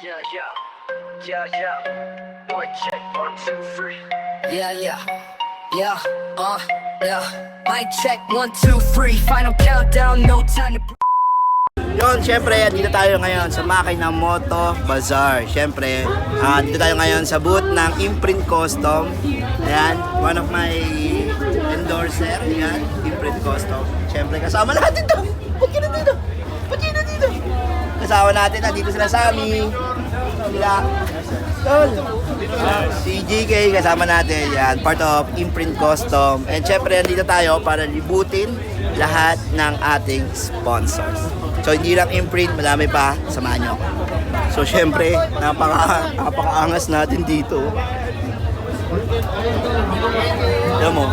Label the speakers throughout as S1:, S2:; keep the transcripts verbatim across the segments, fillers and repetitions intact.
S1: Yeah, yeah, yeah, yeah. Boy, check one, two, three. Yeah, yeah, yeah, uh, yeah. Mic check one, two, three. Final countdown, no time to.
S2: Yun, syempre, dito tayo ngayon sa Makina Moto Bazaar. Syempre, uh, dito tayo ngayon sa booth ng Imprint Custom. Ayan, one of my endorser. Ayan, Imprint Custom. Syempre, kasama natin to. Ba't yun na dito? Ba't yun na dito? Kasama natin, nandito sila Sammy. Sila, Tol. Uh, si G K kasama natin. Yan, part of Imprint Custom. And syempre, nandito tayo para libutin lahat ng ating sponsors. So hindi lang Imprint, madami pa, samahan nyo ako. So syempre, napaka, napakaangas natin dito. Alam mo?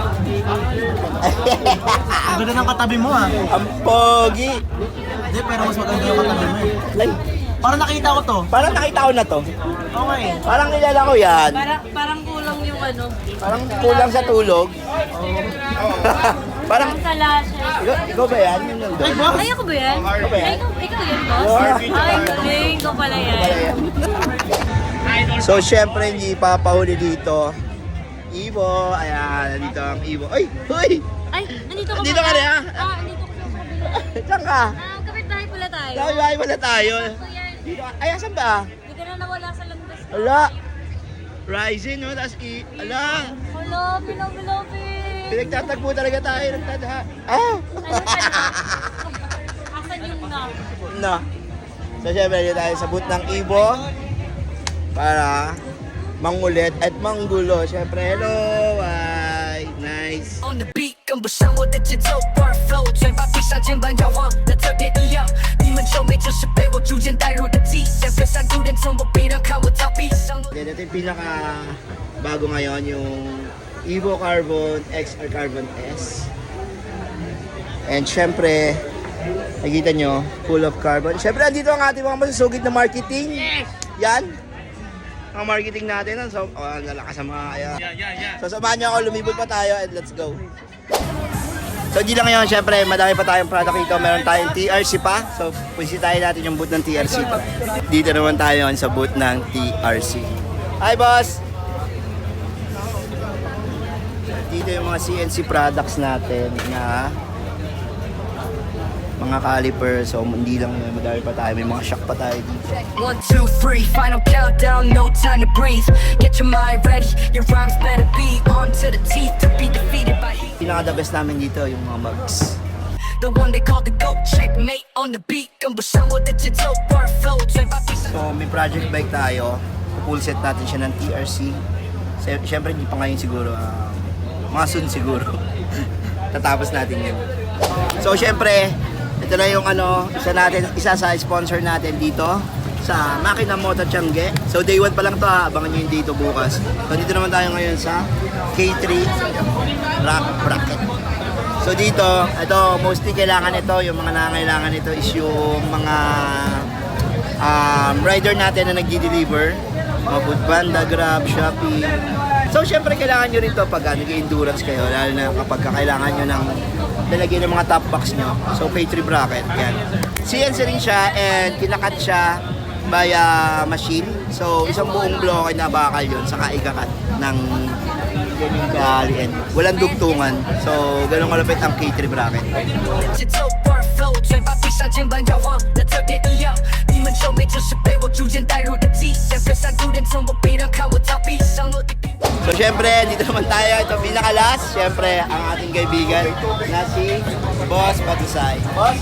S3: Ang ganda ng katabi mo ah.
S2: Ang pogi!
S3: Hindi, pero mas maganda yung katabi mo eh.
S2: Ay,
S3: Parang nakita ko to.
S2: parang nakita ko na to.
S3: Okay.
S2: Parang nilala ko yan.
S4: Parang, parang kulang yung ano.
S2: Parang kulang sa tulog. Parang,
S4: Parang talashes.
S2: ikaw, ikaw ba yan? Yun yung
S3: Ay,
S2: doon.
S3: boss!
S4: Ay, ako ba yan?
S2: Ako ba yan?
S4: Ay, ikaw, ikaw yan, boss? Ay, galing ko pala yan.
S2: So, syempre, hindi papahuli dito. Ivo, ayan, nandito ang Ivo. Ay, huy!
S4: Ay, nandito ka
S2: Nandito ka rin, ah?
S4: Ah, nandito ka sa kabila.
S2: Saan ka?
S4: Ah, kapit-bahay pala tayo.
S2: Sabi wala tayo.
S4: Ito yan.
S2: Dito, ay, asan ba?
S4: Hindi ka na nawala sa landas.
S2: Ala! Rising, no? Tapos, i- ala!
S4: Hello, below, below,
S2: Pinagtatagpo talaga tayo ng tadha. Ah!
S4: Ano talaga? Asan yung na?
S2: No. So, syempre, dito tayo sa booth ng Ivo para mangulit at manggulo. Syempre, hello! Ay, nice.
S1: On the beat，跟不上我的节奏，bar flow，嘴巴闭上，肩膀摇晃的特别一样。你们皱眉，就是被我逐渐带入的迹象。隔山突然从我背上看我逃避上路。
S2: Then, ito yung pinaka bago ngayon, yung Evo Carbon X R Carbon S. And syempre, nakikita nyo, full of carbon. Syempre, andito ang ating mga masusugid na marketing. Yan. Ang marketing natin. So, oh, ang lalakas ang mga kaya. So, samahan nyo ako, lumibot pa tayo and let's go. So, di lang ngayon, syempre, madami pa tayong product dito. Meron tayong T R C pa. So, pusitahin natin yung booth ng T R C. Dito naman tayo sa booth ng T R C. Hi, boss! Dito yung mga C N C products natin na mga caliper. So, hindi lang yun, madami pa tayo. May mga shock pa tayo dito.
S1: One, two, three, final countdown, no time to breathe. Get your mind ready, your rhymes better be on to the teeth to be defeated by heat.
S2: Pinaka-the best namin dito yung mga mugs.
S1: The one they call the GOAT, checkmate on the beat. 跟不上我的节奏，bar flow，嘴巴闭上。
S2: So, may project bike tayo. Full set natin siya ng T R C. Sy- Siyempre, hindi pa ngayon siguro. Uh, mga soon siguro. Tatapos natin yun. So, siyempre, ito na yung ano, isa natin, isa sa sponsor natin dito sa Makina Moto Tiangge. So, day one pa lang to ha. Abangan nyo yung dito bukas. So, dito naman tayo ngayon sa K three Rock Bracket. So, dito, ito, mostly kailangan ito, yung mga nangangailangan ito is yung mga um, rider natin na nag-deliver. Mga Foodpanda, Grab, Shopee. So, syempre, kailangan nyo rin to pag uh, nag-endurance kayo, lalo na kapag kailangan nyo ng lalagyan ng mga top box nyo. So, K three bracket, yan. C N C rin siya and kinakat siya via machine. So, isang buong bloke na bakal yun, saka ikakat ng ganyan ka-alien. Walang dugtungan. So, ganun kalapit ang K three bracket.
S1: 节奏 bar flow，嘴巴闭上，肩膀摇晃的特别一样。你们皱眉，就是被我逐渐带入的迹象。隔山突然从我背上看我逃避上路的地。
S2: So, syempre, dito naman tayo. Ito, pinaka-last. Syempre, ang ating kaibigan na si Boss Batusay. Boss?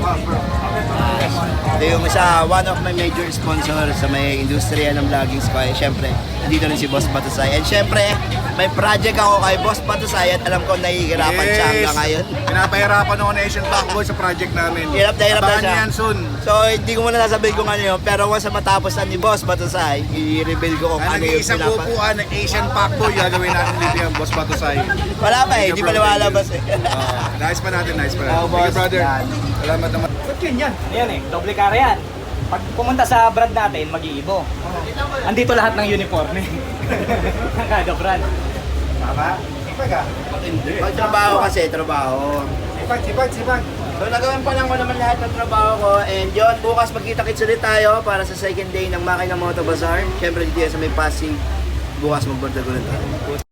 S2: Ito yung isa, one of my major sponsors sa may industriya ng vlogging ko. Eh, syempre, nandito rin si Boss Batusay. And syempre, may project ako kay Boss Batusay at alam ko nahihirapan siya hanggang ngayon.
S5: Pinapahirapan ako na Asian Backboy sa project namin.
S2: Hirap na hirap na
S5: Abangan
S2: siya.
S5: niyo yan soon.
S2: So, hindi ko muna nasabihin kung ano yun. Pero once na matapos na ni Boss Batusay, i-reveal ko kung
S5: Ang
S2: ano yung
S5: nag-iisang
S2: pinapa.
S5: upuan ng Asian Backboy, gagawin natin dito yung Boss Batusay.
S2: Wala pa eh, hindi pa lumalabas eh.
S5: Oh, nice pa natin, nice pa natin.
S2: Oh,
S5: Thank you,
S2: boss.
S5: brother.
S2: Yan.
S5: Salamat naman.
S3: Ayan eh, doble kara yan. Pag pumunta sa brand natin, mag-iibo. Andito lahat ng uniform eh. Ng kada brand.
S5: Tama? Sipag ah.
S2: Pag trabaho kasi, trabaho.
S5: Sipag, sipag, sipag.
S2: So nagawin pa lang ko naman lahat ng trabaho ko and yon bukas magkita-kits ulit tayo para sa second day ng Makina Moto Bazaar. Siyempre dito yan sa may Pasig, bukas magbandag ulit tayo.